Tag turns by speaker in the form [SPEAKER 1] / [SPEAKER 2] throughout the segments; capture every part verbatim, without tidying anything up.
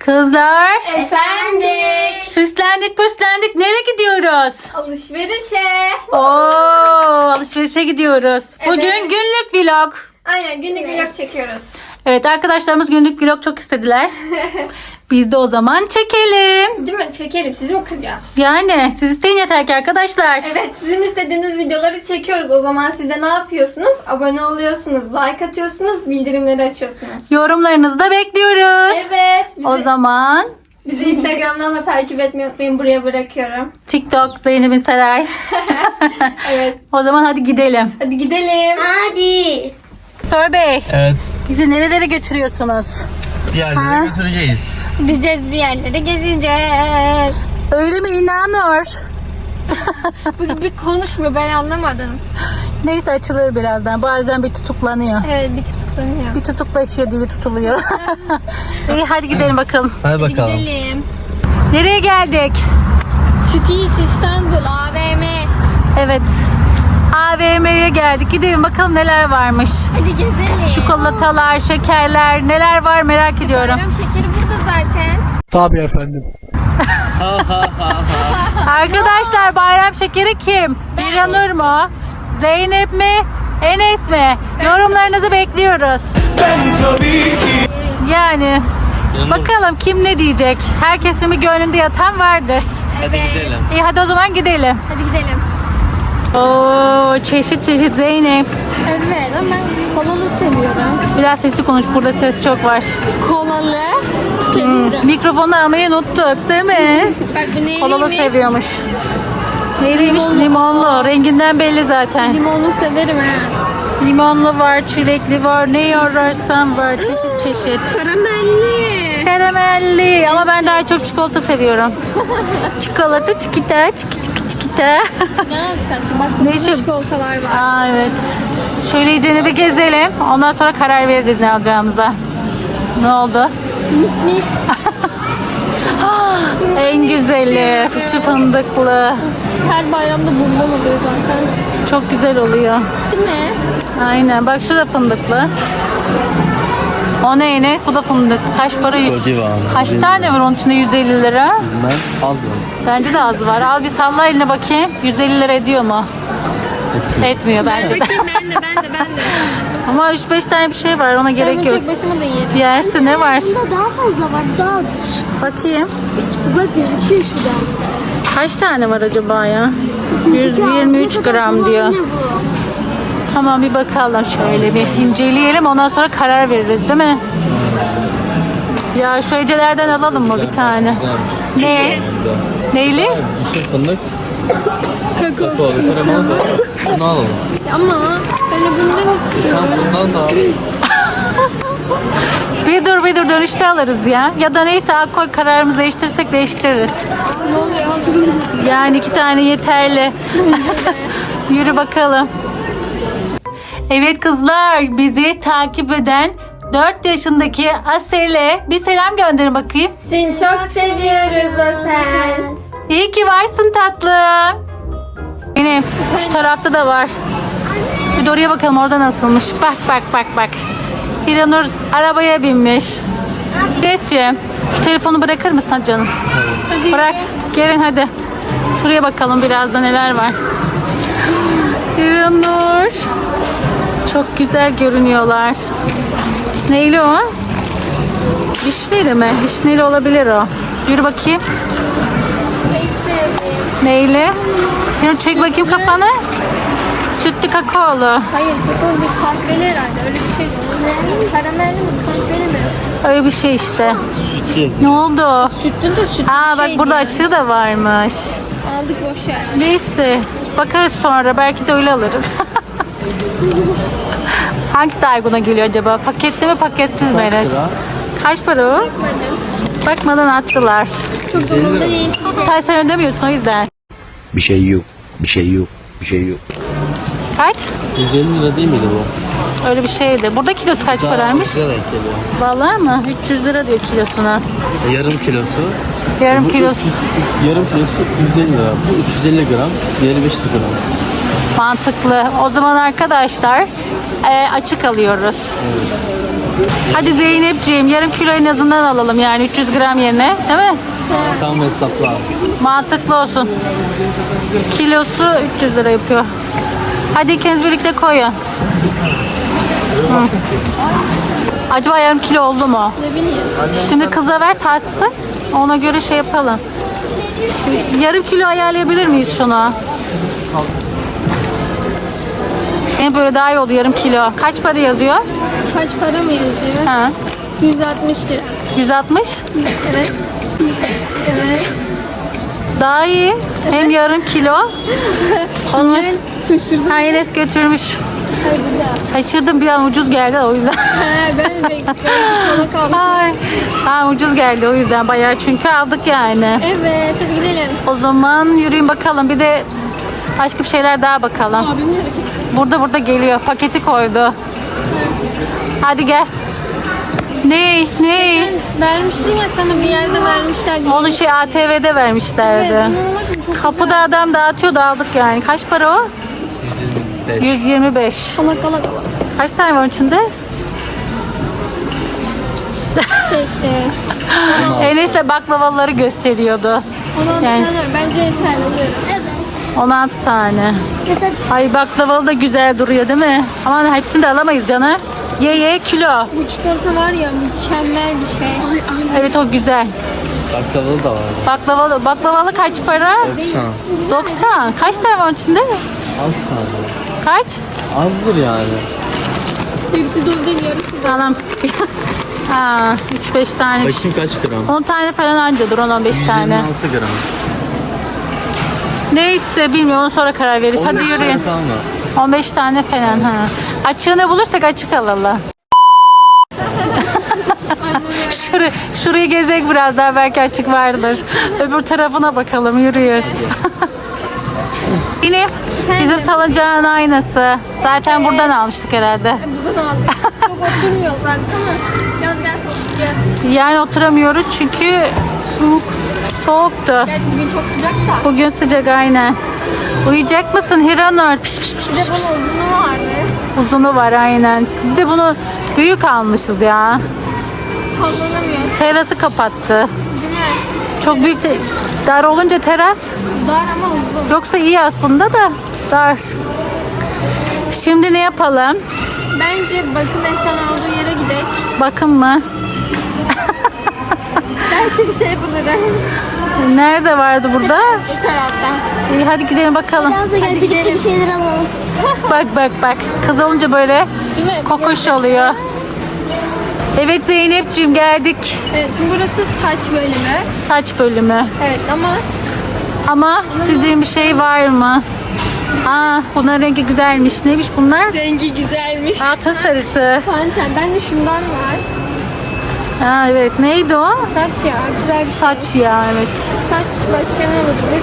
[SPEAKER 1] Kızlar.
[SPEAKER 2] Efendik.
[SPEAKER 1] Süslendik püslendik. Nereye gidiyoruz?
[SPEAKER 2] Alışverişe.
[SPEAKER 1] Oo, alışverişe gidiyoruz.
[SPEAKER 2] Evet.
[SPEAKER 1] Bugün günlük vlog.
[SPEAKER 2] Aynen günlük vlog çekiyoruz.
[SPEAKER 1] Evet, arkadaşlarımız günlük vlog çok istediler. Biz de o zaman çekelim.
[SPEAKER 2] Değil mi? Çekelim. Sizi mi kıracağız?
[SPEAKER 1] Yani siz isteyin yeter ki arkadaşlar.
[SPEAKER 2] Evet, sizin istediğiniz videoları çekiyoruz. O zaman size ne yapıyorsunuz? Abone oluyorsunuz, like atıyorsunuz, bildirimleri açıyorsunuz.
[SPEAKER 1] Yorumlarınızı da bekliyoruz.
[SPEAKER 2] Evet. Bizi,
[SPEAKER 1] O zaman
[SPEAKER 2] bizi Instagram'dan da takip etmeyi unutmayın. Buraya bırakıyorum.
[SPEAKER 1] TikTok Zeynep'in Saray.
[SPEAKER 2] Evet.
[SPEAKER 1] O zaman hadi gidelim.
[SPEAKER 2] Hadi gidelim. Hadi.
[SPEAKER 1] Sor Bey,
[SPEAKER 3] Evet.
[SPEAKER 1] bizi nerelere götürüyorsunuz?
[SPEAKER 3] Bir yerlere
[SPEAKER 1] Ha?
[SPEAKER 3] götüreceğiz.
[SPEAKER 2] Gideceğiz bir yerlere gezeceğiz.
[SPEAKER 1] Öyle mi İnanur?
[SPEAKER 2] Bu bir konuşmuyor, ben anlamadım.
[SPEAKER 1] Neyse, açılır birazdan. Bazen bir tutuklanıyor.
[SPEAKER 2] Evet, bir tutuklanıyor.
[SPEAKER 1] Bir tutuklaşıyor, dili tutuluyor. İyi, hadi gidelim bakalım.
[SPEAKER 3] Hadi
[SPEAKER 2] Hadi
[SPEAKER 3] bakalım.
[SPEAKER 2] gidelim.
[SPEAKER 1] Nereye geldik?
[SPEAKER 2] Cities İstanbul A V M.
[SPEAKER 1] Evet, A V M'ye geldik. Gidelim bakalım neler varmış.
[SPEAKER 2] Hadi gezelim.
[SPEAKER 1] Çikolatalar, şekerler, neler var merak ediyorum.
[SPEAKER 2] Bayram şekeri burada zaten.
[SPEAKER 3] Tabii efendim.
[SPEAKER 1] Arkadaşlar, bayram şekeri kim? İranur mu? Zeynep mi? Enes mi? Yorumlarınızı bekliyoruz. Yani bakalım kim ne diyecek? Herkesin bir gönlünde yatan vardır.
[SPEAKER 3] Hadi
[SPEAKER 2] Evet.
[SPEAKER 3] gidelim.
[SPEAKER 1] İyi, hadi o zaman gidelim.
[SPEAKER 2] Hadi gidelim.
[SPEAKER 1] Oo, çeşit çeşit Zeynep.
[SPEAKER 2] Evet ama ben kolalı seviyorum.
[SPEAKER 1] Biraz sesli konuş, burada ses çok var.
[SPEAKER 2] Kolalı
[SPEAKER 1] Hmm,
[SPEAKER 2] seviyorum.
[SPEAKER 1] mikrofonu almayı unuttuk değil mi?
[SPEAKER 2] Bak bu neyliymiş?
[SPEAKER 1] Kolalı seviyormuş. Neyliymiş? Limonlu. Renginden belli zaten.
[SPEAKER 2] Limonlu severim ha.
[SPEAKER 1] Limonlu var, çilekli var, ne ararsan var. Çeşit çeşit.
[SPEAKER 2] Karamelli.
[SPEAKER 1] Karamelli, ama ben daha çok çikolata seviyorum. Çikolata, çikita, çiki çiki çikita.
[SPEAKER 2] Ne alsın? Bak
[SPEAKER 1] Ne
[SPEAKER 2] burada
[SPEAKER 1] işi-
[SPEAKER 2] çikolatalar var.
[SPEAKER 1] Aa, evet. Şöyle iyicene bir gezelim. Ondan sonra karar veririz ne alacağımıza. Ne oldu?
[SPEAKER 2] Mis mis.
[SPEAKER 1] En güzeli, fıçı fındıklı.
[SPEAKER 2] Her bayramda bundan oluyor zaten.
[SPEAKER 1] Çok güzel oluyor.
[SPEAKER 2] Değil mi?
[SPEAKER 1] Aynen. Bak, şu da fındıklı. O ne Enes? Bu da fındık. Kaç para?
[SPEAKER 3] O civarı.
[SPEAKER 1] Kaç tane var onun içinde? yüz elli lira.
[SPEAKER 3] Ben az var.
[SPEAKER 1] Bence de az var. Al bir salla eline bakayım. yüz elli lira ediyor mu?
[SPEAKER 3] Etmiyor.
[SPEAKER 1] Etmiyor bence de.
[SPEAKER 2] Bakayım ben de ben de ben de.
[SPEAKER 1] Ama üç beş tane bir şey var. Ona
[SPEAKER 2] Ben
[SPEAKER 1] gerek
[SPEAKER 2] bunu
[SPEAKER 1] yok.
[SPEAKER 2] tek başıma da yerim.
[SPEAKER 1] Yersin, ne var?
[SPEAKER 4] Bunda daha fazla var, daha ucuz.
[SPEAKER 1] Bakayım.
[SPEAKER 4] Bak gözüküyor şurada.
[SPEAKER 1] Kaç tane var acaba ya? yüz yirmi üç gram diyor.
[SPEAKER 4] Ne bu?
[SPEAKER 1] Tamam, bir bakalım şöyle bir inceleyelim, ondan sonra karar veririz değil mi? Ya şu hecelerden alalım mı bir tane? Ne? Neyli?
[SPEAKER 3] Düşün fındık.
[SPEAKER 2] Kakao.
[SPEAKER 3] Kakao. Kremalı da. Bunu alalım.
[SPEAKER 2] Ama ben öbüründen
[SPEAKER 3] E sen
[SPEAKER 2] istiyorum.
[SPEAKER 3] bundan da al.
[SPEAKER 1] Bir dur bir dur, dönüşte alırız ya. Ya da neyse, al koy, kararımızı değiştirirsek değiştiririz.
[SPEAKER 2] Ne oluyor oğlum?
[SPEAKER 1] Yani iki tane yeterli. Yürü bakalım. Evet kızlar, bizi takip eden dört yaşındaki Asel'e bir selam gönderin bakayım.
[SPEAKER 2] Seni çok seviyoruz o sen.
[SPEAKER 1] İyi ki varsın tatlım. Yine şu tarafta da var. Bir de oraya bakalım, orada nasılmış. Bak bak bak bak. İranur arabaya binmiş. Resciğim, şu telefonu bırakır mısın canım?
[SPEAKER 2] Hadi
[SPEAKER 1] Bırak. Gelin hadi. Şuraya bakalım biraz da neler var. İranur. Çok güzel görünüyorlar. Neyli o? Vişneli mi? Vişneli olabilir o. Yürü bakayım.
[SPEAKER 2] Neyse.
[SPEAKER 1] Neyli? Yürü, çek bakayım kafanı. Sütlü kakaolu.
[SPEAKER 2] Hayır kakao değil, kahveli herhalde, öyle bir şey değil. Karamelli mi kahveli mi?
[SPEAKER 1] Öyle bir şey işte.
[SPEAKER 3] Süt yazıyor.
[SPEAKER 1] Ne oldu?
[SPEAKER 2] Sütlü de sütlü
[SPEAKER 1] Aa
[SPEAKER 2] bir
[SPEAKER 1] bak,
[SPEAKER 2] şey
[SPEAKER 1] burada
[SPEAKER 2] değil.
[SPEAKER 1] açığı da varmış.
[SPEAKER 2] Aldık boş ver.
[SPEAKER 1] Neyse. Bakarız sonra. Belki de öyle alırız. Hangisi daha uyguna geliyor acaba? Paketli mi, paketsiz mi?
[SPEAKER 3] Kaç lira?
[SPEAKER 1] Kaç para o?
[SPEAKER 2] Bakmadım.
[SPEAKER 1] Bakmadan attılar.
[SPEAKER 2] Çok da umurumda değil.
[SPEAKER 1] Sen sen ödemiyorsun o yüzden.
[SPEAKER 5] Bir şey yok. Bir şey yok. Bir şey yok.
[SPEAKER 1] Kaç?
[SPEAKER 3] yüz elli lira değil miydi bu?
[SPEAKER 1] Öyle bir şeydi. Burada kilosu kaç paraymış?
[SPEAKER 3] Güzel denk geliyor.
[SPEAKER 1] Vallahi mı? üç yüz lira diyor kilosuna.
[SPEAKER 3] Yarım kilosu.
[SPEAKER 1] Yarım
[SPEAKER 3] Bu
[SPEAKER 1] kilosu.
[SPEAKER 3] üç yüz yarım kilosu yüz elli lira. Bu üç yüz elli gram. Diğeri beş yüz gram.
[SPEAKER 1] Mantıklı. O zaman arkadaşlar e, açık alıyoruz.
[SPEAKER 3] Evet.
[SPEAKER 1] Hadi Zeynepciğim yarım kilo en azından alalım yani üç yüz gram yerine değil mi?
[SPEAKER 3] Tam hesapla abi.
[SPEAKER 1] Mantıklı olsun. Kilosu üç yüz lira yapıyor. Hadi ikiniz birlikte koyun. Hı. Acaba yarım kilo oldu mu?
[SPEAKER 2] Ne bileyim.
[SPEAKER 1] Şimdi kıza ver tartsın. Ona göre şey yapalım. Şimdi yarım kilo ayarlayabilir miyiz şunu? En böyle daha iyi oldu yarım kilo. Kaç para yazıyor?
[SPEAKER 2] Kaç para mı yazıyor?
[SPEAKER 1] Ha.
[SPEAKER 2] yüz altmış lira.
[SPEAKER 1] yüz altmış.
[SPEAKER 2] Evet. Evet.
[SPEAKER 1] Daha iyi. Hem yarım kilo. Olmuş.
[SPEAKER 2] Şaşırdım.
[SPEAKER 1] Ha, Enes götürmüş.
[SPEAKER 2] Hayır burada.
[SPEAKER 1] Şaşırdım bir an ucuz geldi o yüzden.
[SPEAKER 2] He ben bekliyorum. Kola kalmış.
[SPEAKER 1] Ay. Ha, ucuz geldi o yüzden bayağı çünkü aldık yani.
[SPEAKER 2] Evet hadi gidelim.
[SPEAKER 1] O zaman yürüyün bakalım. Bir de başka bir şeyler daha bakalım.
[SPEAKER 2] Abim nereye?
[SPEAKER 1] Burada burada geliyor. Paketi koydu. Hadi gel. Ne? Ne?
[SPEAKER 2] Sen vermiştin ya sana bir yerde vermişler diye.
[SPEAKER 1] Onu şey A T V'de vermişlerdi.
[SPEAKER 2] Evet buna bakın çok
[SPEAKER 1] Kapıda
[SPEAKER 2] güzel.
[SPEAKER 1] adam dağıtıyordu aldık yani. Kaç para o?
[SPEAKER 3] yüz yirmi beş.
[SPEAKER 1] yüz yirmi beş.
[SPEAKER 2] Kala kala kala.
[SPEAKER 1] Kaç tane var içinde?
[SPEAKER 2] Sekte.
[SPEAKER 1] Enes de baklavaları gösteriyordu.
[SPEAKER 2] Ona
[SPEAKER 1] Yani-
[SPEAKER 2] yani. Bence yeterli. Evet.
[SPEAKER 1] on altı tane.
[SPEAKER 4] Yeter.
[SPEAKER 1] Ay baklavalı da güzel duruyor değil mi? Ama hepsini de alamayız canım. Ye ye kilo.
[SPEAKER 2] Bu çikolata var ya mükemmel bir şey.
[SPEAKER 1] Evet o güzel.
[SPEAKER 3] Baklavalı da var.
[SPEAKER 1] Baklavalı, baklavalı kaç para?
[SPEAKER 3] doksan.
[SPEAKER 1] doksan. Kaç tane var içinde?
[SPEAKER 3] Az tane.
[SPEAKER 1] Kaç?
[SPEAKER 3] Azdır yani.
[SPEAKER 2] Hepsi dolu değil yarısı da.
[SPEAKER 1] Tamam. Ha, üç beş tane.
[SPEAKER 3] Bakayım kaç gram?
[SPEAKER 1] on tane falan ancadır on on beş
[SPEAKER 3] yüz yirmi
[SPEAKER 1] tane.
[SPEAKER 3] altı gram.
[SPEAKER 1] Neyse bilmiyorum onu sonra karar veririz. Hadi
[SPEAKER 3] on beş
[SPEAKER 1] yürüyün.
[SPEAKER 3] tane falan var.
[SPEAKER 1] on beş tane falan ha. Açığını bulursak açık alalım. Şurayı, şurayı gezek biraz daha belki açık vardır. Öbür tarafına bakalım yürüyün. Yine bizim salıncağın aynısı. Zaten buradan almıştık herhalde.
[SPEAKER 2] Buradan aldık. Çok oturmuyoruz artık ama yaz gelse oturacağız.
[SPEAKER 1] Yani oturamıyoruz çünkü soğuk. Soğuktu.
[SPEAKER 2] Gerçi bugün çok sıcak da.
[SPEAKER 1] Bugün sıcak aynen. Uyuyacak mısın Hiranur? Piş piş piş.
[SPEAKER 2] Bir de bunun uzunu vardı.
[SPEAKER 1] Uzunu var aynen. Bir de bunu büyük almışız ya.
[SPEAKER 2] Sallanamıyor.
[SPEAKER 1] Terası kapattı.
[SPEAKER 2] Değil mi?
[SPEAKER 1] Çok büyük de- dar olunca teras.
[SPEAKER 2] Dar ama uzun.
[SPEAKER 1] Yoksa iyi aslında da dar. Şimdi ne yapalım?
[SPEAKER 2] Bence bakım eşyalar olduğu yere gidelim.
[SPEAKER 1] Bakın mı?
[SPEAKER 2] Belki bir şey bulurum.
[SPEAKER 1] Nerede vardı burada?
[SPEAKER 2] Şu taraftan.
[SPEAKER 1] İyi hadi gidelim bakalım.
[SPEAKER 4] Biraz da gel
[SPEAKER 2] Hadi
[SPEAKER 4] birlikte
[SPEAKER 2] gidelim.
[SPEAKER 4] bir şeyler alalım.
[SPEAKER 1] Bak bak bak. Kız olunca böyle
[SPEAKER 2] Değil mi?
[SPEAKER 1] kokoş oluyor. Evet Zeynepciğim geldik.
[SPEAKER 2] Evet, şimdi burası saç bölümü.
[SPEAKER 1] Saç bölümü.
[SPEAKER 2] Evet ama
[SPEAKER 1] Ama istediğin bir şey var mı? Aa, bunların rengi güzelmiş. Neymiş bunlar?
[SPEAKER 2] rengi güzelmiş.
[SPEAKER 1] Altın sarısı.
[SPEAKER 2] Panten. Ben de şundan var.
[SPEAKER 1] Ha evet. Neydi o?
[SPEAKER 2] Saç ya. Güzel bir şey.
[SPEAKER 1] Saç ya evet.
[SPEAKER 2] Saç başka ne olabilir?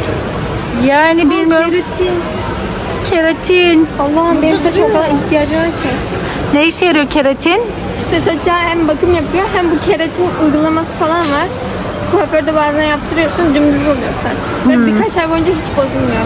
[SPEAKER 1] Yani bilmiyorum.
[SPEAKER 2] Keratin.
[SPEAKER 1] Keratin.
[SPEAKER 2] Allah'ım benim saçıma o kadar ihtiyacım var ki.
[SPEAKER 1] Ne işe yarıyor keratin?
[SPEAKER 2] İşte saça hem bakım yapıyor hem bu keratin uygulaması falan var. Kuaförde bazen yaptırıyorsun dümdüz oluyor saç. Ve birkaç ay boyunca hiç bozulmuyor.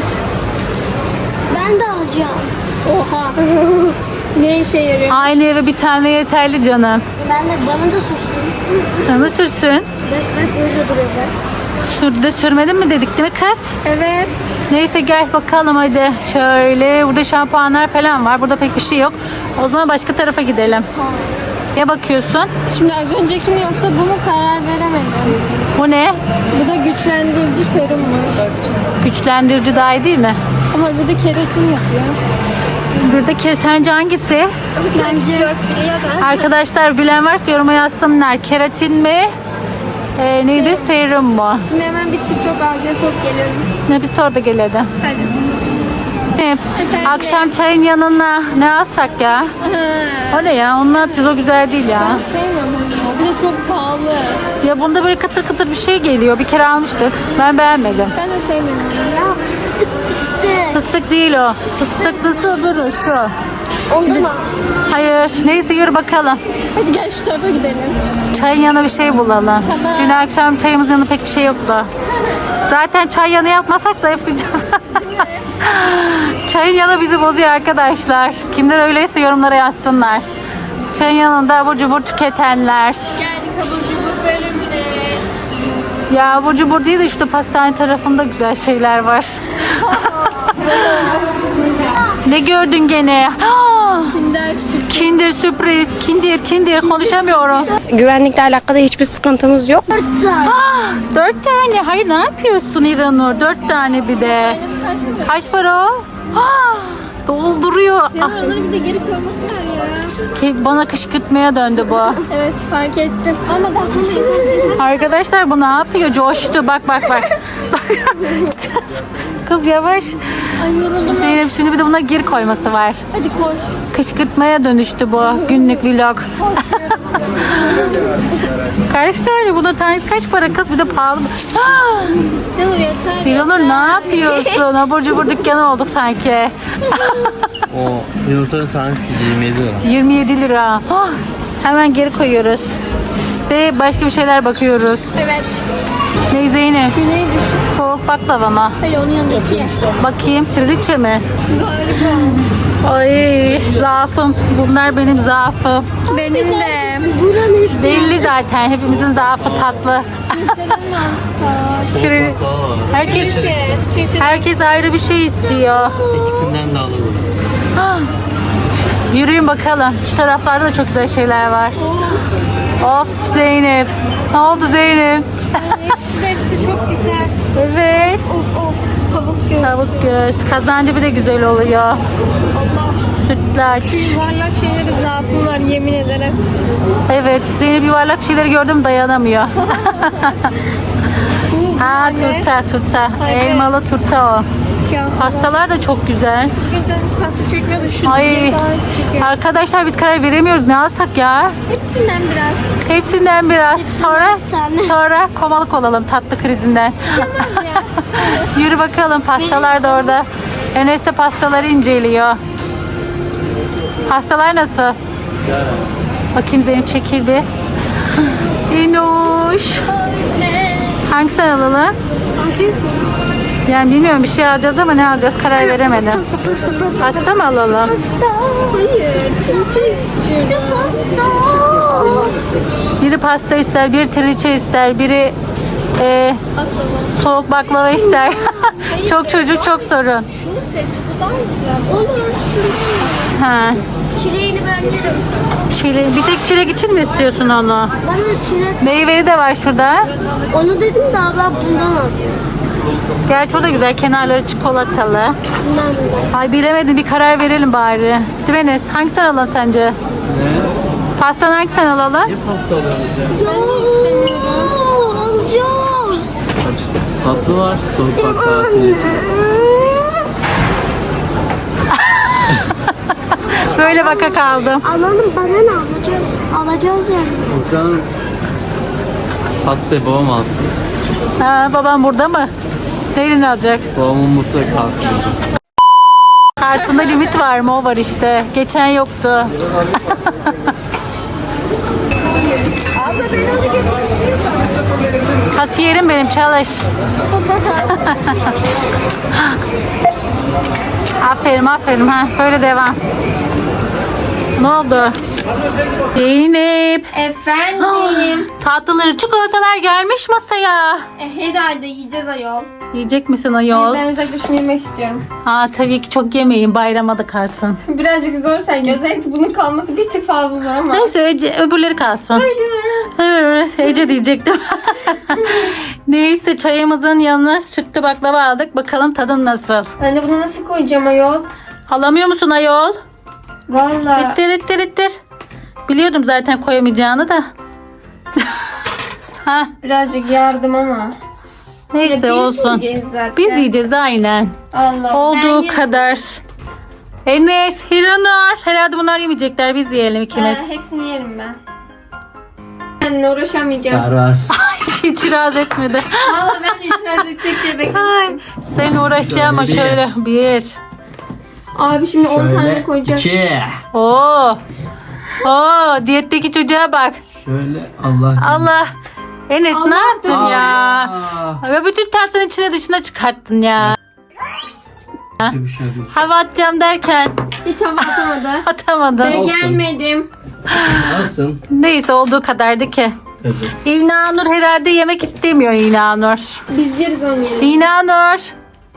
[SPEAKER 4] Ben de alacağım.
[SPEAKER 2] Oha. Ne işe yarıyor?
[SPEAKER 1] Aynı eve bir tane yeterli canım.
[SPEAKER 4] Ben de bana da sürsün.
[SPEAKER 1] Sana sürsün.
[SPEAKER 4] Bak bak öyle duruyor bak.
[SPEAKER 1] Sürdü sürmedin mi dedik değil mi kız?
[SPEAKER 2] Evet.
[SPEAKER 1] Neyse gel bakalım hadi. Şöyle burada şampuanlar falan var. Burada pek bir şey yok. O zaman başka tarafa gidelim. Ne bakıyorsun?
[SPEAKER 2] Şimdi az önceki mi yoksa bu mu karar veremedim.
[SPEAKER 1] Bu ne?
[SPEAKER 2] Bu da güçlendirici serummuş.
[SPEAKER 1] Güçlendirici daha iyi değil mi?
[SPEAKER 2] Ama burada keratin yapıyor.
[SPEAKER 1] Buradaki sence hangisi?
[SPEAKER 2] Bence yok ya da.
[SPEAKER 1] Arkadaşlar bilen varsa yoruma yazsınlar. Keratin mi? Ee, neydi? Serum mu?
[SPEAKER 2] Şimdi hemen bir TikTok algıya sok geliyorum.
[SPEAKER 1] Ne bir sor da gel hadi.
[SPEAKER 2] Hadi.
[SPEAKER 1] Ne?
[SPEAKER 2] Efendim?
[SPEAKER 1] Akşam çayın yanına ne alsak ya?
[SPEAKER 2] Aha.
[SPEAKER 1] O ne ya? Onu atacağız o güzel değil ya.
[SPEAKER 2] Ben sevmiyorum onu. Bir de çok pahalı.
[SPEAKER 1] Ya bunda böyle kıtır kıtır bir şey geliyor. Bir kere almıştık. Ben beğenmedim.
[SPEAKER 2] Ben de sevmiyorum onu.
[SPEAKER 4] Ya fıstık fıstık.
[SPEAKER 1] Fıstık değil o. Fıstıklısı öbürü şu.
[SPEAKER 4] Oldu mu?
[SPEAKER 1] Hayır. Neyse yürü bakalım.
[SPEAKER 2] Hadi gel şu tarafa gidelim.
[SPEAKER 1] Çayın yanına bir şey bulalım.
[SPEAKER 2] Tamam.
[SPEAKER 1] Dün akşam çayımızın yanında pek bir şey yoktu. Zaten çay yanı yapmasak zayıflayacağız. Çayın yanı bizi bozuyor arkadaşlar. Kimler öyleyse yorumlara yazsınlar. Çayın yanında abur cubur tüketenler.
[SPEAKER 2] Geldik abur cubur bölümüne.
[SPEAKER 1] Ya abur cubur değil de işte pastane tarafında güzel şeyler var. Ne gördün gene?
[SPEAKER 2] Kinder süt.
[SPEAKER 1] Kinder sürpriz. Kinder kinder konuşamıyorum.
[SPEAKER 6] Güvenlikle alakalı hiçbir sıkıntımız yok.
[SPEAKER 1] Dört tane. Hayır ne yapıyorsun İranur? Dört tane bir de.
[SPEAKER 2] Aynası kaç mı?
[SPEAKER 1] Kaç para o? Ah, dolduruyor.
[SPEAKER 2] Ya
[SPEAKER 1] Ah,
[SPEAKER 2] onları bir de geri koyması var ya.
[SPEAKER 1] ki bana kışkırtmaya döndü bu.
[SPEAKER 2] Evet fark ettim. Ama daha koymayız.
[SPEAKER 1] Arkadaşlar bu ne yapıyor? Coştu. Bak bak bak. Bak. kız, kız yavaş.
[SPEAKER 2] Ay yoruldum.
[SPEAKER 1] Zeynep şimdi bir de bunları geri koyması var.
[SPEAKER 2] Hadi koy.
[SPEAKER 1] Kışkırtmaya dönüştü bu günlük vlog. Kaç tane? Buna tanesi kaç para kız? Bir de pahalı. Ah!
[SPEAKER 2] Yanur yeter.
[SPEAKER 1] Hiranur
[SPEAKER 2] yeter.
[SPEAKER 1] ne yapıyorsun? Abur cubur dükkanı olduk sanki.
[SPEAKER 3] O yumurtanın tanesi yirmi yedi lira.
[SPEAKER 1] yirmi yedi lira. Ah! Hemen geri koyuyoruz. Ve başka bir şeyler bakıyoruz.
[SPEAKER 2] Evet.
[SPEAKER 1] Ne Zeynep?
[SPEAKER 2] Şu neydi?
[SPEAKER 1] Soğuk baklava mı?
[SPEAKER 2] Hayır onun yanındaki.
[SPEAKER 1] Bakayım. Trileçe mi?
[SPEAKER 2] Galiba.
[SPEAKER 1] Ay zaafım. Bunlar benim zaafım.
[SPEAKER 2] Benim de.
[SPEAKER 1] Belli zaten. Hepimizin zaafı tatlı.
[SPEAKER 2] Çirçeden mi alsak?
[SPEAKER 1] Tri- Herkes,
[SPEAKER 2] Çirçe. Çirçe.
[SPEAKER 1] herkes ayrı bir şey istiyor.
[SPEAKER 3] İkisinden de alalım.
[SPEAKER 1] Ah! Yürüyün bakalım. Şu taraflarda da çok güzel şeyler var. Of Zeynep. Ne oldu Zeynep?
[SPEAKER 2] Hepsi de hepsi çok güzel.
[SPEAKER 1] Evet.
[SPEAKER 2] Of of. Tavuk göğüs.
[SPEAKER 1] Tavuk göğüs. Kazancı bir de güzel oluyor.
[SPEAKER 2] Allah.
[SPEAKER 1] Sütlaç.
[SPEAKER 2] Yuvarlak şeyleri zaafım var yemin ederim.
[SPEAKER 1] Evet. Zeynep yuvarlak şeyleri gördüm dayanamıyor.
[SPEAKER 2] Bu
[SPEAKER 1] Ha
[SPEAKER 2] ne?
[SPEAKER 1] turta turta.
[SPEAKER 2] Evet.
[SPEAKER 1] Elmalı turta o.
[SPEAKER 2] Ya.
[SPEAKER 1] Pastalar da çok güzel.
[SPEAKER 2] Bugün canım hiç pasta çekmiyordu. Şu
[SPEAKER 1] Ay.
[SPEAKER 2] diye falan çekiyor.
[SPEAKER 1] Arkadaşlar biz karar veremiyoruz. Ne alsak ya?
[SPEAKER 2] Hepsinden biraz.
[SPEAKER 1] Hepsinden biraz. Sonra
[SPEAKER 4] bir tane.
[SPEAKER 1] sonra komalık olalım tatlı krizinden.
[SPEAKER 2] Olmaz ya.
[SPEAKER 1] Yürü bakalım pastalar da orada. Enes de pastaları inceliyor. Pastalar nasıl? Bakayım Zeynep çekil bir. Enoş. Hangisini alalım? Yani bilmiyorum bir şey alacağız ama ne alacağız karar veremedim.
[SPEAKER 4] Pasta pasta pasta.
[SPEAKER 1] Pasta mı alalım?
[SPEAKER 4] Pasta.
[SPEAKER 2] Hayır. Çirçe istiyorum.
[SPEAKER 4] Pasta.
[SPEAKER 1] Biri pasta ister, biri trileçe ister, biri e, soğuk baklava ister. Çok çocuk çok sorun.
[SPEAKER 2] Şunu seç. Bu daha güzel.
[SPEAKER 4] Olur şunu.
[SPEAKER 1] Ha.
[SPEAKER 4] Çileğini ben yerim.
[SPEAKER 1] Çilek, bir tek çilek için mi istiyorsun onu?
[SPEAKER 4] Bana çilek.
[SPEAKER 1] Meyveli de var şurada.
[SPEAKER 4] Onu dedim de abla bundan al.
[SPEAKER 1] Gerçi o da güzel. Kenarları çikolatalı.
[SPEAKER 4] Bundan bundan.
[SPEAKER 1] Ay bilemedim. Bir karar verelim bari. Değil mi Enes? Hangisinden alalım sence?
[SPEAKER 3] Ne?
[SPEAKER 1] Pastan hangisinden alalım?
[SPEAKER 3] Ne pasta alıyoruz ya?
[SPEAKER 2] Ben de istemiyorum.
[SPEAKER 4] Oo, alacağız.
[SPEAKER 3] Tatlı var. Soğuk baklava, trileçe.
[SPEAKER 1] Böyle baka kaldım.
[SPEAKER 4] Alalım bana ne alacağız? Alacağız yani.
[SPEAKER 3] O zaman pastayı babam alsın.
[SPEAKER 1] Ha, babam burada mı? Neyle alacak?
[SPEAKER 3] Babamın olması da kalkıyor.
[SPEAKER 1] Kartında limit var mı? O var işte. Geçen yoktu. Kasiyerim benim çalış. Aferin aferin ha. Böyle devam. Ne oldu? Zeynep.
[SPEAKER 2] Efendim.
[SPEAKER 1] Tatlıları, çikolatalar gelmiş masaya.
[SPEAKER 2] e, herhalde yiyeceğiz ayol.
[SPEAKER 1] Yiyecek misin ayol?
[SPEAKER 2] Ben özellikle şunu yemek istiyorum.
[SPEAKER 1] Aa tabii ki çok yemeyin. Bayrama da kalsın.
[SPEAKER 2] Birazcık zor sanki. Özellikle bunun kalması bir tık fazla zor ama.
[SPEAKER 1] Neyse Ece, öbürleri kalsın. Evet, Ece diyecektim. Neyse çayımızın yanına sütlü baklava aldık. Bakalım tadın nasıl?
[SPEAKER 2] Ben de bunu nasıl koyacağım ayol?
[SPEAKER 1] Alamıyor musun ayol?
[SPEAKER 2] Vallahi.
[SPEAKER 1] İttir ittir ittir. Biliyordum zaten koyamayacağını da. ha,
[SPEAKER 2] Birazcık yardım ama.
[SPEAKER 1] neyse
[SPEAKER 2] Ya biz
[SPEAKER 1] olsun.
[SPEAKER 2] yiyeceğiz zaten.
[SPEAKER 1] Biz yiyeceğiz aynen.
[SPEAKER 2] Allah. ben
[SPEAKER 1] Olduğu
[SPEAKER 2] yerim.
[SPEAKER 1] kadar. Enes, Hiranur. Herhalde bunlar yemeyecekler. Biz yiyelim ikimiz.
[SPEAKER 2] Ha, hepsini yerim ben. Benimle uğraşamayacağım.
[SPEAKER 3] Karar.
[SPEAKER 1] Hiç itiraz etmedi.
[SPEAKER 2] Valla ben de itiraz edecek diye
[SPEAKER 1] Ay,
[SPEAKER 2] beklemiştim.
[SPEAKER 1] sen uğraşacağım ama
[SPEAKER 3] Şöyle
[SPEAKER 1] şöyle bir.
[SPEAKER 2] Abi şimdi on tane koyacağız.
[SPEAKER 3] iki.
[SPEAKER 1] Oo. Oo, diyetteki çocuğa bak.
[SPEAKER 3] Şöyle Allah.
[SPEAKER 1] Allah. Enes
[SPEAKER 2] Allah
[SPEAKER 1] ne yaptın ya?
[SPEAKER 3] Aa.
[SPEAKER 1] Ya bütün tatlının içine dışına çıkarttın ya.
[SPEAKER 3] Bir şey yok.
[SPEAKER 1] Hava atacağım derken
[SPEAKER 2] Hiç hava atamadı.
[SPEAKER 1] atamadın.
[SPEAKER 2] Ben
[SPEAKER 3] Olsun.
[SPEAKER 2] gelmedim.
[SPEAKER 3] Alsın.
[SPEAKER 1] Neyse olduğu kadardı ki.
[SPEAKER 3] Evet.
[SPEAKER 1] İlnanur herhalde yemek istemiyor İlnanur.
[SPEAKER 2] Biz yeriz onu yerim.
[SPEAKER 1] İlnanur.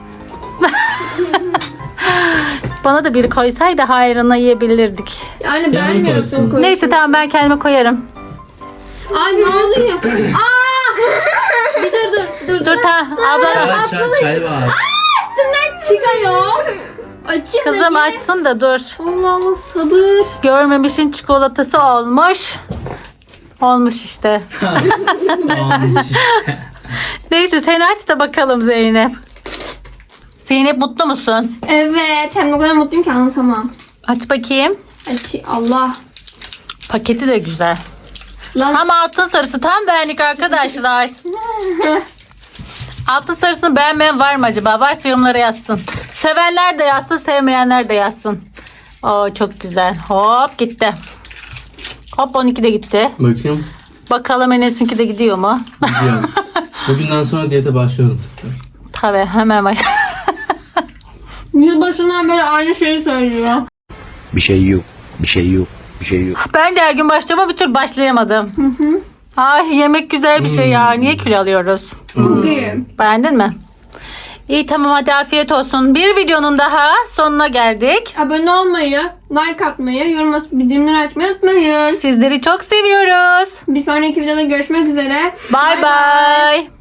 [SPEAKER 1] Bana da biri koysaydı hayrına yiyebilirdik.
[SPEAKER 2] Yani
[SPEAKER 3] Yanına
[SPEAKER 2] beğenmiyorsun
[SPEAKER 3] koysun.
[SPEAKER 2] koysun.
[SPEAKER 1] Neyse tamam ben kendime koyarım.
[SPEAKER 2] Ay ne oluyor? Aa! Bir dur dur dur.
[SPEAKER 1] Dur tamam abla.
[SPEAKER 3] Çay, çay, çay var.
[SPEAKER 2] Üstümden çıkıyor. Açayım da
[SPEAKER 1] Kızım
[SPEAKER 2] niye?
[SPEAKER 1] açsın da dur.
[SPEAKER 2] Allah Allah sabır.
[SPEAKER 1] Görmemişin çikolatası olmuş. Olmuş işte.
[SPEAKER 3] Olmuş.
[SPEAKER 1] Neyse sen aç da bakalım Zeynep. Zeynep mutlu musun?
[SPEAKER 2] Evet hem de o kadar mutluyum ki anlatamam.
[SPEAKER 1] Aç bakayım.
[SPEAKER 2] Aç Allah.
[SPEAKER 1] Paketi de güzel.
[SPEAKER 2] Lan
[SPEAKER 1] Tam altın sarısı tam benlik arkadaşlar. Altın sarısını beğenmeyen var mı acaba? Varsa yorumlara yazsın. Sevenler de yazsın, sevmeyenler de yazsın. Oo çok güzel. Hop gitti. Hop on iki de gitti.
[SPEAKER 3] Bakayım.
[SPEAKER 1] Bakalım Enes'inki de gidiyor mu?
[SPEAKER 3] Gidiyorum. Bugünden sonra diyete başlıyorum tekrar.
[SPEAKER 1] Tabii hemen bak.
[SPEAKER 2] yılbaşından beri aynı şeyi söylüyor.
[SPEAKER 5] Bir şey yok. Bir şey yok. Bir şey yok.
[SPEAKER 1] Ben de her gün başlama bir tür başlayamadım. Ay yemek güzel bir şey ya. Niye kilo alıyoruz?
[SPEAKER 2] Bugün.
[SPEAKER 1] Beğendin mi? İyi tamam hadi afiyet olsun. Bir videonun daha sonuna geldik.
[SPEAKER 2] Abone olmayı, like atmayı, yorum atıp bildirimleri açmayı unutmayın.
[SPEAKER 1] Sizleri çok seviyoruz.
[SPEAKER 2] Bir sonraki videoda görüşmek üzere.
[SPEAKER 1] Bye bye.